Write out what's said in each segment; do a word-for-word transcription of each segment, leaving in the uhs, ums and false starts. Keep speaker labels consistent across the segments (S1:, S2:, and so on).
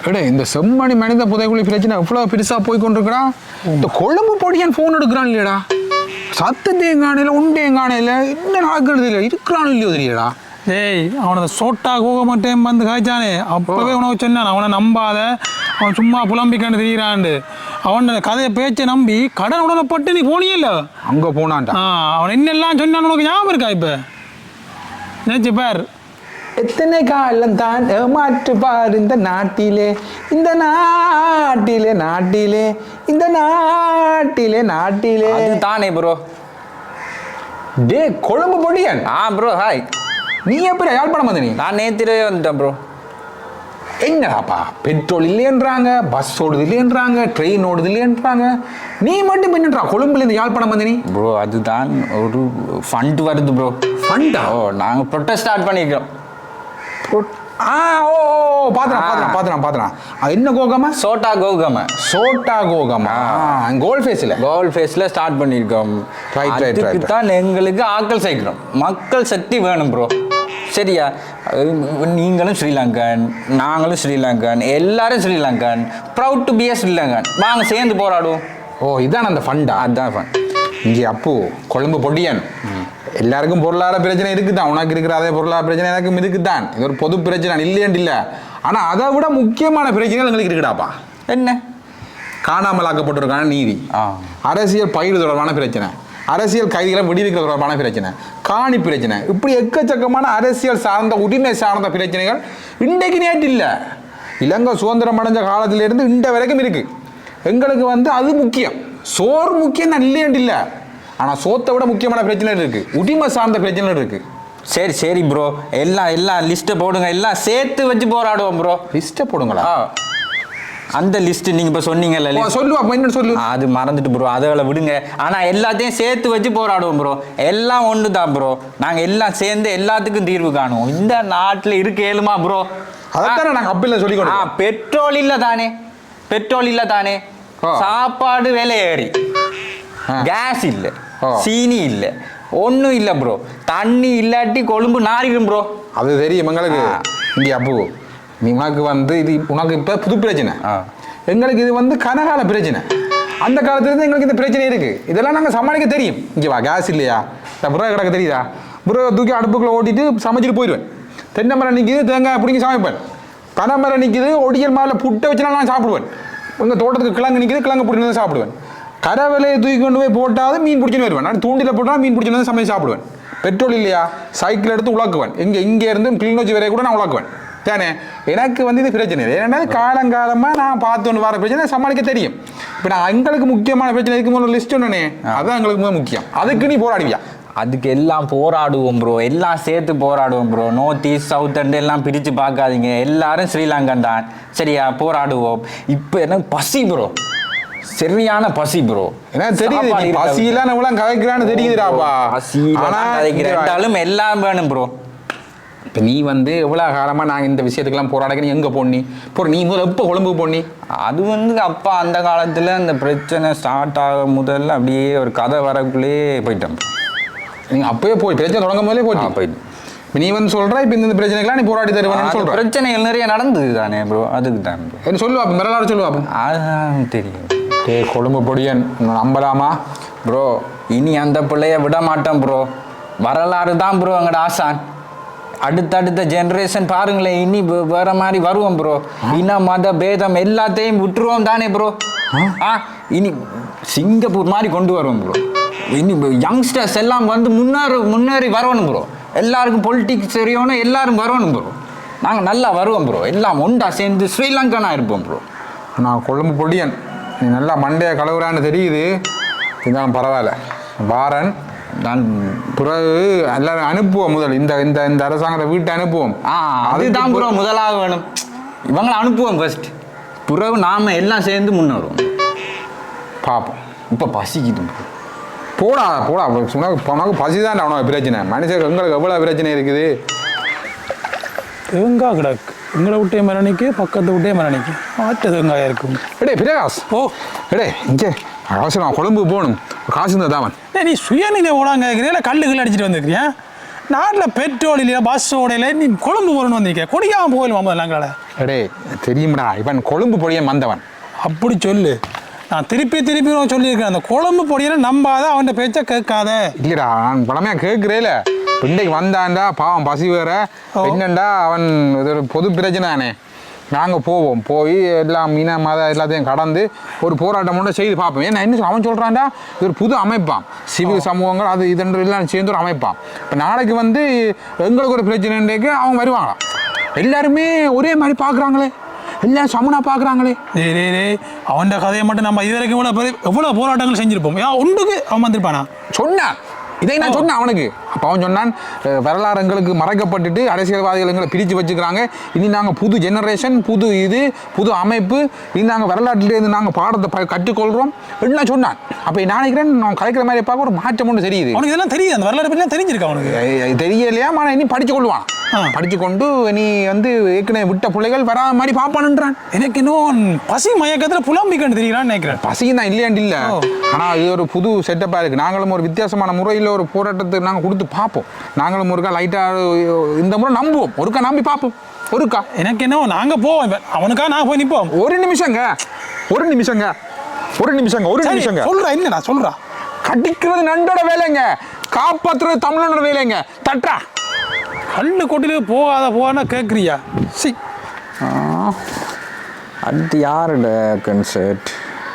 S1: எடே இந்த செம்மணி மனித புதைக்குழி பிரச்சனை எவ்வளோ பெருசாக போய் கொண்டிருக்கிறான். இந்த கொழும்பு பொடியான் ஃபோன் எடுக்கிறான் இல்லையடா, சத்தத்தையும் காணையில் உண்டையும் காணையில் என்ன நடக்கிறது இல்லை, இருக்கிறான் இல்லையோ தெரியலடா.
S2: ஏய் அவனை சோட்டா கோக மட்டும் வந்து காய்ச்சானே அப்பவே உனக்கு சொன்னான் அவனை நம்பாத, அவன் சும்மா புலம்பிக்கான்னு தெரிகிறாண்டு. அவன் கதையை பேச்சை நம்பி கடன் உடனப்பட்டு நீ போனியே இல்லை
S1: அங்கே போனான்டா.
S2: ஆ அவன் என்னெல்லாம் சொன்னான் உனக்கு ஞாபகம் இருக்கா? இப்போ நினைச்சு பார்,
S1: எத்தனை காலம் தான் ஏமாற்று பார் இந்த நாட்டிலே, இந்த நாட்டிலே நாட்டிலே இந்த நாட்டிலே நாட்டிலே
S3: தானே ப்ரோ.
S1: டே கொழும்பு பொடியன்.
S3: ஆ ப்ரோ ஹாய்.
S1: நீ எப்படி யாழ்ப்பாணம் வந்து? நீ
S3: நான் நேத்திரே வந்துட்டேன் ப்ரோ.
S1: என்னடாப்பா பெட்ரோல் இல்லைன்றாங்க, பஸ் ஓடுது இல்லைன்றாங்க, ட்ரெயின் ஓடுது இல்லைன்றாங்க, நீ மட்டும் என்னன்றா கொழும்புலேருந்து யாழ்ப்பாணம் வந்து நீ?
S3: ப்ரோ அதுதான் ஒரு ஃபண்ட் வருது ப்ரோ.
S1: ஃபண்டா?
S3: ஓ நாங்கள் ப்ரொட்டஸ்ட் ஸ்டார்ட் பண்ணியிருக்கோம்.
S1: ஆ ஓ பாத்துறான் பாத்துறான் பாத்துறான் பாத்துறான். என்ன கோகமா?
S3: சோட்டா கோகமா.
S1: சோட்டா கோகமா கோல் ஃபேஸில்
S3: கோல் ஃபேஸில் ஸ்டார்ட் பண்ணியிருக்கோம்.
S1: Right right right.
S3: தான் எங்களுக்கு ஆக்கள் சேர்க்கிறோம், மக்கள் சக்தி வேணும் ப்ரோ. சரியா? நீங்களும் ஸ்ரீலங்கன், நாங்களும் ஸ்ரீலங்கன், எல்லாரும் Sri Lankan, proud to be a Sri Lankan. வாங்க சேர்ந்து போராடுவோம்.
S1: ஓ இதான் அந்த ஃபண்டா?
S3: அதுதான் ஃபண்ட்.
S1: இங்கே அப்பு கொழும்பு பொடியன், எல்லாருக்கும் பொருளாதார பிரச்சனை இருக்குதான், உனக்கு இருக்கிற அதே பொருளாதார பிரச்சனை எனக்கும் இருக்குதான். இது ஒரு பொது பிரச்சனை இல்லையன்ட்டு இல்லை. ஆனால் அதை விட முக்கியமான பிரச்சனைகள் எங்களுக்கு இருக்குடாப்பா.
S3: என்ன?
S1: காணாமலாக்கப்பட்டிருக்கான நீதி, அரசியல் பயிர் தொடர்பான பிரச்சனை, அரசியல் கைதிகளை விடுவிக்கிற தொடர்பான பிரச்சனை, காணி பிரச்சனை, இப்படி எக்கச்சக்கமான அரசியல் சார்ந்த உரிமை சார்ந்த பிரச்சனைகள் இன்றைக்கு நேற்று இல்லை, இலங்கை சுதந்திரம் அடைஞ்ச காலத்திலிருந்து இன்றை வரைக்கும் இருக்கு. எங்களுக்கு வந்து அது முக்கியம், சோறு முக்கியம் தான் இல்லையன்ட்டு இல்லை. ஆனால் சோத்தை விட முக்கியமான பிரச்சனை இருக்கு, உரிமை சார்ந்த பிரச்சனை இருக்கு.
S3: சரி சரி ப்ரோ, எல்லாம் எல்லாம் லிஸ்ட்டை போடுங்க, எல்லாம் சேர்த்து வச்சு போராடுவோம் ப்ரோ.
S1: லிஸ்ட்டை போடுங்களா?
S3: அந்த லிஸ்ட் நீங்க இப்ப சொன்னீங்கல்ல,
S1: சொல்லுவா என்ன சொல்லு,
S3: அது மறந்துட்டு ப்ரோ, அதை விடுங்க. ஆனா எல்லாத்தையும் சேர்த்து வச்சு போராடுவோம் ப்ரோ. எல்லாம் ஒன்று தான் ப்ரோ, நாங்க எல்லாம் சேர்ந்து எல்லாத்துக்கும் தீர்வு காணுவோம். இந்த நாட்டில் இருக்க ஏழுமா ப்ரோ?
S1: அதானே நாங்க அப்பல சொல்லிக்கணும்.
S3: பெட்ரோல் இல்ல தானே, பெட்ரோல் இல்ல தானே, சாப்பாடு விலை ஏறி, கேஸ் இல்ல, சீனி இல்ல, ஒன்றும் இல்லை ப்ரோ. தண்ணி இல்லாட்டி கொழும்பு நாரிடும் ப்ரோ.
S1: அது தெரியும் எங்களுக்கு. இங்கே அப்போ நீ உனக்கு வந்து இது உனக்கு இப்போ புது பிரச்சனை, எங்களுக்கு இது வந்து கனகால பிரச்சனை. அந்த காலத்துலேருந்து எங்களுக்கு இந்த பிரச்சனை இருக்குது, இதெல்லாம் நாங்கள் சமாளிக்க தெரியும். இங்கே வா, கேஸ் இல்லையா, இந்த புறா கிடக்க தெரியுதா, புறா தூக்கி அடுப்புக்குள்ளே ஓட்டிட்டு சமைச்சிட்டு போயிடுவேன். தென்னை மரம் நிற்கிது, தேங்காய் பிடிங்கி சமைப்பேன். பனை மரம் நிற்கிது, ஒடியல் மாவில் புட்டை வச்சுனா நான் சாப்பிடுவேன். எங்கள் தோட்டத்துக்கு கிழங்கு நிற்கிது, கிழங்கு பிடிச்சி சாப்பிடுவேன். கரை விலையை தூக்கி கொண்டு போய் போட்டாவது மீன் பிடிச்சின்னு வருவேன். நான் தூண்டில் போட்டால் மீன் பிடிச்சின்னு சமைச்சு சாப்பிடுவேன். பெட்ரோல் இல்லையா, சைக்கிள் எடுத்து உழக்குவேன். இங்கே இங்கே இருந்து கிளிநொச்சி வரைய கூட நான் உழக்குவேன். தானே எனக்கு வந்து இது பிரச்சனை இல்லை. ஏன்னா காலங்காலமாக நான் பார்த்து ஒன்று வர பிரச்சனை சமாளிக்க தெரியும். இப்போ நான் எங்களுக்கு முக்கியமான பிரச்சனை இருக்கும் ஒரு லிஸ்ட் ஒன்று, அதுதான் எங்களுக்கு முக்கியம். அதுக்கு நீ போராடுவியா?
S3: அதுக்கு எல்லாம் போராடுவோம் ப்ரோ, எல்லாம் சேர்த்து போராடுவோம் bro. North east south and எல்லாம் பிரித்து பார்க்காதீங்க, எல்லாரும் ஸ்ரீலங்கன் தான். சரியா? போராடுவோம். இப்போ எனக்கு பசி ப்ரோ, சரியான பசி ப்ரோ.
S1: ஏன்னா தெரியுது பசியெல்லாம் நம்மளாம் கதைக்கிறான்னு தெரியுதுடாப்பா.
S3: பசியிலும் எல்லாம் வேணும் ப்ரோ.
S1: இப்போ நீ வந்து எவ்வளோ காலமாக நாங்கள் இந்த விஷயத்துக்கெல்லாம் போராடக்க நீ எங்கே போனி இப்போ நீ முதல்ல எப்போ கொழும்பு போனி?
S3: அது வந்து அப்பா அந்த காலத்தில் அந்த பிரச்சனை ஸ்டார்ட் ஆக முதல்ல அப்படியே ஒரு கதை வரக்குள்ளேயே போயிட்டேன்.
S1: நீங்கள் அப்போயே போய் பிரச்சனை தொடங்கும் போதே போயிட்டு போயிட்டு இப்போ நீ வந்து சொல்கிற இப்போ இந்த பிரச்சனைக்கெல்லாம் நீ போராடி தருவேன்னு சொல்கிற.
S3: பிரச்சனைகள் நிறைய நடந்தது தானே ப்ரோ, அதுக்கு தான் ப்ரோ.
S1: என்ன சொல்லுவா மிரளாறு சொல்லுவா?
S3: அதுதான் தெரியும்.
S1: டே கொழும்பு பொடியன் நம்பலாமா
S3: ப்ரோ? இனி அந்த பிள்ளைய விட மாட்டேன் ப்ரோ. வரலாறு தான் ப்ரோ எங்களோட ஆசான். அடுத்தடுத்த ஜென்ரேஷன் பாருங்களேன், இனி வேற மாதிரி வருவோம் ப்ரோ. இன மத பேதம் எல்லாத்தையும் விட்டுருவோம் தானே ப்ரோ. ஆ இனி சிங்கப்பூர் மாதிரி கொண்டு வருவோம் ப்ரோ. இனி யங்ஸ்டர்ஸ் எல்லாம் வந்து முன்னேறி முன்னேறி வரணும் ப்ரோ. எல்லாருக்கும் பொலிட்டிக்ஸ் தெரியணும், எல்லாரும் வரணும் ப்ரோ. நாங்கள் நல்லா வருவோம் ப்ரோ, எல்லாம் ஒன்றா சேர்ந்து ஸ்ரீலங்கனாக இருப்போம் ப்ரோ.
S1: நான் கொழும்பு பொடியன், நீ நல்லா மண்டையை கலவுறான்னு தெரியுது, இருந்தாலும் பரவாயில்ல. வாரன்
S3: நான்
S1: பிறகு எல்லாரும் அனுப்புவோம். முதல் இந்த இந்த இந்த அரசாங்கத்தை வீட்டை அனுப்புவோம்.
S3: ஆ அதுதான் ப்ரோ முதலாக வேணும். இவங்களை அனுப்புவோம் ஃபர்ஸ்ட், பிறகு நாம எல்லாம் சேர்ந்து முன்னேறுவோம்.
S1: பார்ப்போம்.
S3: இப்போ பசிக்குது
S1: போடா போடா, உனக்கு உனக்கு பசி தான் அவனுக்கு பிரச்சனை. மனுஷன் எங்களுக்கு எவ்வளோ பிரச்சனை இருக்குது.
S2: தேங்காய் கிடக்கு, எங்களை விட்டே மரணிக்கு பக்கத்து விட்டே மரணிக்கு மாற்ற தேங்காயாக இருக்கும்.
S1: எடே பிரகாஷ், ஓ எடே இங்கே அவசரம் கொழும்பு போகணும், காசு இருந்தால் தான்.
S2: நீ சுயநிலை ஓடாங்க கேட்குறீங்களா, கல்லு கல் அடிச்சுட்டு வந்துருக்கிறியா? நாட்டில் பெட்ரோல் இல்லையா பஸ் ஓடையில நீ கொழும்பு போகணும்னு வந்திருக்க கொடிக்காம போகலும் நாங்கள
S1: அடே தெரியும்டா இவன் கொழும்பு பொடியன் வந்தவன்.
S2: அப்படி சொல்லு. நான் திருப்பி திருப்பி சொல்லியிருக்கேன் அந்த கொழும்பு பொடியை நம்பாத அவன் பேச்ச கேட்காத.
S1: இல்லடா நான் பழமையா கேட்கிறேல பிண்டைக்கு வந்தான்டா பாவம் பசி வேற என்னண்டா அவன் இது ஒரு பொது பிரச்சனை. நாங்கள் போவோம் போய் எல்லாம் மீன மத எல்லாத்தையும் கடந்து ஒரு போராட்டம் மட்டும் செய்து பார்ப்போம். ஏன்னா என்ன அவன் சொல்கிறான்டா இது ஒரு புது அமைப்பான் சிவில் சமூகங்கள் அது இதென்று எல்லாம் சேர்ந்து ஒரு அமைப்பான். இப்போ நாளைக்கு வந்து எங்களுக்கு ஒரு பிரச்சனைக்கு அவங்க வருவாங்களாம். எல்லாருமே ஒரே மாதிரி பார்க்குறாங்களே எல்லாம் சமனா பார்க்குறாங்களே.
S2: டே டே டே அவன் கதையை மட்டும் நம்ம இது வரைக்கும் எவ்வளோ எவ்வளோ போராட்டங்கள் செஞ்சுருப்போம். ஏன் ஒன்றுக்கு அவன் வந்திருப்பானா
S1: சொன்னான் இதை நான் சொன்னேன் அவனுக்கு. அப்போ அவன் சொன்னான் வரலாறு எங்களுக்கு மறைக்கப்பட்டுட்டு அரசியல்வாதிகள் எங்களை பிரித்து வச்சுக்கிறாங்க. இனி நாங்கள் புது ஜெனரேஷன் புது இது புது அமைப்பு இனி நாங்கள் வரலாற்றிலேருந்து நாங்கள் பாடத்தை கற்றுக்கொள்கிறோம் என்ன சொன்னான். அப்போ நான் நினைக்கிறேன் நான் கலைக்கிற மாதிரி பார்க்க ஒரு மாற்றம் ஒன்று தெரியுது.
S2: அவனுக்கு இதெல்லாம் தெரியுது அந்த வரலாறு பற்றிலாம் தெரிஞ்சிருக்கா அவனுக்கு
S1: தெரியலையா ஆனால் இனி படித்து கொள்வான். படித்து கொண்டு நீ வந்து ஏற்கனவே விட்ட பிள்ளைகள் வராத மாதிரி பார்ப்பானுன்றான்.
S2: எனக்கு இன்னும் பசி மயக்கத்தில் புலம்பிக்கன்னு தெரியலான்னு நினைக்கிறேன்.
S1: பசியும் தான் இல்லையாண்டு இல்லை ஆனால் இது ஒரு புது செட்டப்பாக இருக்குது. நாங்களும் ஒரு வித்தியாசமான முறையில் ஒரு போராட்டத்துக்கு நாங்கள் கொடுத்து பார்ப்போம். நாங்களும் ஒருக்கா லைட்டாக இந்த முறை நம்புவோம் ஒருக்கா நம்பி பார்ப்போம். ஒருக்கா
S2: எனக்கு என்ன நாங்கள் போவோம் அவனுக்கா நான் போய் நிற்போம்.
S1: ஒரு நிமிஷங்க ஒரு நிமிஷங்க ஒரு நிமிஷங்க ஒரு நிமிஷங்க
S2: சொல்கிறேன் இல்லைடா சொல்கிறா
S1: கடிக்கிறது நண்டோட வேலைங்க காப்பாற்றுறது தமிழனோட வேலைங்க. தட்டா
S2: கல்லு கொட்டில போகாத போகாத கேட்குறியா? சி
S3: அடுத்து யாரோட கன்சர்ட்?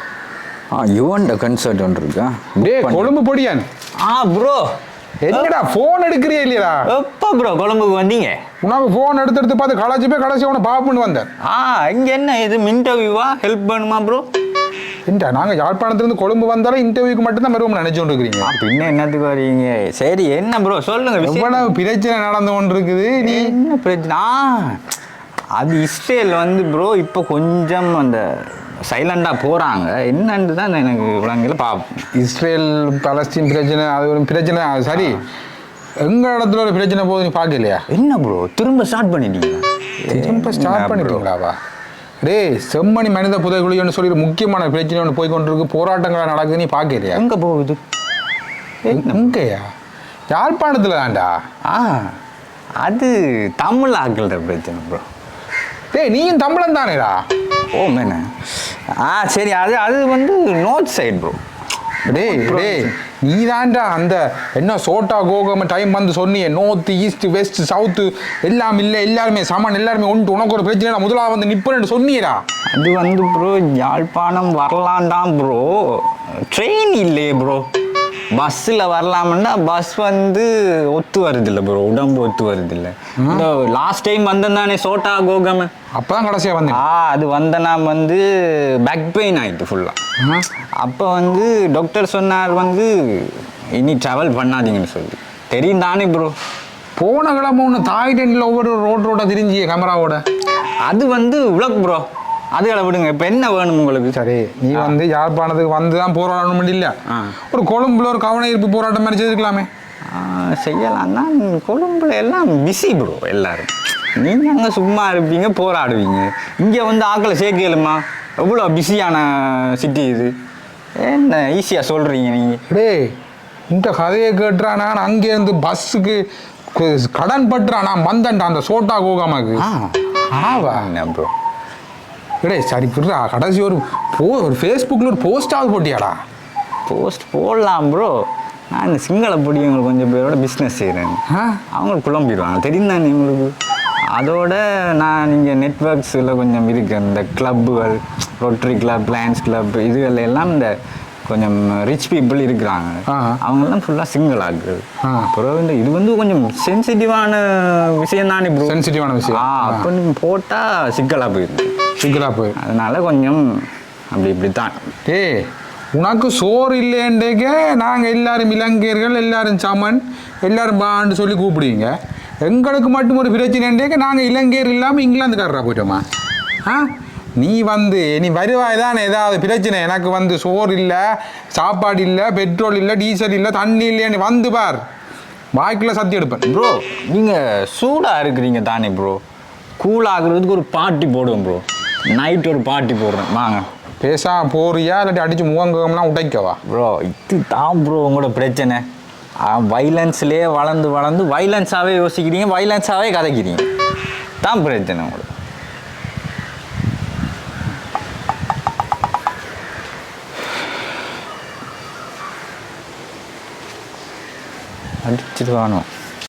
S3: ஆ யுவன்ட கன்சர்ட் ஒன்று இருக்கா?
S1: டே கொழும்பு பொடியான்.
S3: ஆ ப்ரோ
S1: என்னடா ஃபோன் எடுக்கிறியா இல்லையா?
S3: எப்போ ப்ரோ கொழும்புக்கு வந்தீங்க?
S1: உனக்கு ஃபோன் எடுத்து எடுத்து பார்த்து களைச்சி போய் கடைசி உன பாப்புன்னு வந்தேன்.
S3: ஆ இங்கே என்ன இது இன்டர்வியூவா ஹெல்ப் பண்ணுமா ப்ரோ?
S1: இல்லை நாங்கள் யாழ்ப்பாணத்துலேருந்து கொழும்பு வந்தாலும் இன்டர்வியூக்கு மட்டும்தான் வருவோம்னு நினச்சோண்டு இருக்கிறீங்க.
S3: பின்ன என்னத்துக்கு வரீங்க? சரி என்ன ப்ரோ சொல்லுங்க.
S1: எவ்வளவு பிரச்சனை நடந்து கொண்டு இருக்குது. நீ
S3: என்ன பிரச்சனை? அது இஸ்ரேல் வந்து ப்ரோ இப்போ கொஞ்சம் அந்த சைலண்டாக போகிறாங்க என்னன்னு தான் எனக்கு விளங்கல பார்ப்போம்.
S1: இஸ்ரேல் பலஸ்தீன் பிரச்சனை அது ஒரு பிரச்சனை சரி எங்கள் இடத்துல ஒரு பிரச்சனை போது நீ பார்க்கலையா?
S3: என்ன ப்ரோ திரும்ப ஸ்டார்ட் பண்ணிட்டீங்க?
S1: திரும்ப ஸ்டார்ட் பண்ணிட்டீங்களாவா? டே செம்மணி மனித புதைகுழின்னு சொல்லி ஒரு முக்கியமான பிரச்சனை ஒன்று போய் கொண்டு இருக்கு போராட்டங்கள் நடக்குது நீ பார்க்கலையா?
S3: எங்கே போகுது?
S1: எங்கேயா? யாழ்ப்பாணத்தில் தான்டா.
S3: ஆ அது தமிழ் ஆக்கள பிரச்சனை ப்ரோ.
S1: டேய் நீயும் தமிழன் தானேடா?
S3: ஓ மேன ஆ சரி அது அது வந்து நோர்த் சைட் ப்ரோ.
S1: டேய் டேய் நீ தான்டா அந்த என்ன சோட்டா கோகம் டைம் வந்து சொன்னியே நோர்த் ஈஸ்ட் வெஸ்ட் சவுத்து எல்லாம் இல்லை எல்லாருமே சமன் எல்லாருமே ஒன்று உனக்கு ஒரு பிரச்சனை முதலாக வந்து நிற்பேன்னு சொன்னியடா.
S3: அது வந்து ப்ரோ யாழ்ப்பாணம் வரலான்டாம் ப்ரோ ட்ரெயின் இல்லையே ப்ரோ. பஸ்ஸில் வரலாம்னா பஸ் வந்து ஒத்து வருது இல்லை ப்ரோ உடம்பு ஒத்து வருது இல்லை. இந்த லாஸ்ட் டைம் வந்தேன் தானே சோட்டா கோகம்
S1: அப்போ தான் கடைசியாக வந்தேன்.
S3: ஆ அது வந்தேன்னா வந்து பேக் பெயின் ஆகிட்டு ஃபுல்லாக. அப்போ வந்து டாக்டர் சொன்னார் வந்து இனி ட்ராவல் பண்ணாதீங்கன்னு சொல்லி. தெரியும் தானே ப்ரோ
S1: போன கிழமை ஒன்று தாய்லாண்டில் ஒவ்வொரு ரோட் ரோட்டாக திரிஞ்சிய கேமராவோட
S3: அது வந்து உலக் ப்ரோ. அதுகளை விடுங்க இப்போ என்ன வேணும் உங்களுக்கு?
S1: சரி நீ வந்து யாழ்ப்பாணத்துக்கு வந்து தான் போராடணும் இல்லை ஒரு கொழும்புல ஒரு கவன ஈர்ப்பு போராட்டம் மாதிரி செய்திருக்கலாமே.
S3: செய்யலாம் தான் கொழும்புல எல்லாம் பிஸி ப்ரோ எல்லாரும். நீங்கள் அங்கே சும்மா இருப்பீங்க போராடுவீங்க. இங்கே வந்து ஆக்களை சேர்க்கலுமா? எவ்வளோ பிஸியான சிட்டி இது. என்ன ஈஸியாக சொல்கிறீங்க நீங்கள்?
S1: டே இந்த கதையை கேட்டுறான் நான் அங்கேருந்து பஸ்ஸுக்கு கடன் பட்டுறான் நான் வந்தேன்டா அந்த சோட்டா கோகாமாக்கு. ஆவா
S3: என்ன ப்ரோ?
S1: டே சரி புரியா கடைசி ஒரு போ ஒரு ஃபேஸ்புக்கில் ஒரு போஸ்டாவது போட்டியாடா?
S3: போஸ்ட் போடலாம் ப்ரோ. நான் இந்த சிங்கள பொடியவங்களுக்கு கொஞ்சம் பேரோட பிஸ்னஸ் செய்கிறேன். அவங்களுக்கு குழம்பிடுவாங்க தெரியும் தானே உங்களுக்கு. அதோட நான் நீங்கள் நெட்ஒர்க்ஸில் கொஞ்சம் இருக்கேன் இந்த கிளப்புகள் ரோட்டரி கிளப் லயன்ஸ் கிளப் இதுகள் எல்லாம் இந்த கொஞ்சம் ரிச் பீப்புள் இருக்கிறாங்க. அவங்கெல்லாம் ஃபுல்லாக சிங்கிள் ஆகுது. அப்புறம் இந்த இது வந்து கொஞ்சம் சென்சிட்டிவான விஷயம் தானே ப்ரோ.
S1: சென்சிட்டிவான விஷயம்.
S3: ஆ அப்போ நீங்கள் போட்டால் சிக்கலாக போயிருக்கு.
S1: சிக்கலாக போய்
S3: அதனால கொஞ்சம் அப்படி இப்படி தான்.
S1: டே உனக்கு சோறு இல்லைன்றேக்க நாங்கள் எல்லாரும் இலங்கையர்கள் எல்லாரும் சமன் எல்லாரும் பான்னு சொல்லி கூப்பிடுவீங்க. எங்களுக்கு மட்டும் ஒரு பிரச்சனைன்றேக்க நாங்கள் இலங்கையர் இல்லாமல் இங்கிலாந்துக்காரராக போயிட்டோமா? ஆ நீ வந்து நீ வருவாய் தானே ஏதாவது பிரச்சனை எனக்கு வந்து சோறு இல்லை சாப்பாடு இல்லை பெட்ரோல் இல்லை டீசல் இல்லை தண்ணி இல்லையா நீ வந்து பார் வாய்க்குள்ள சத்தி எடுப்பேன்.
S3: ப்ரோ நீங்கள் சூடாக இருக்கிறீங்க தானே ப்ரோ. கூல் ஆகுறதுக்கு ஒரு பார்ட்டி போடுவோம் ப்ரோ. நைட் ஒரு பார்ட்டி போடுறேன் வாங்க.
S1: பேசா போறியா இல்லாட்டி அடிச்சு முகங்கம்லாம் உடைக்கவா?
S3: ப்ரோ இது தான் ப்ரோ உங்களோட பிரச்சனை. வைலன்ஸ்லேயே வளர்ந்து வளர்ந்து வைலன்ஸாகவே யோசிக்கிறீங்க, வைலன்ஸாகவே கதைக்கிறீங்க. தான் பிரச்சனை உங்களுக்கு. அடிச்சுட்டு வாணும்.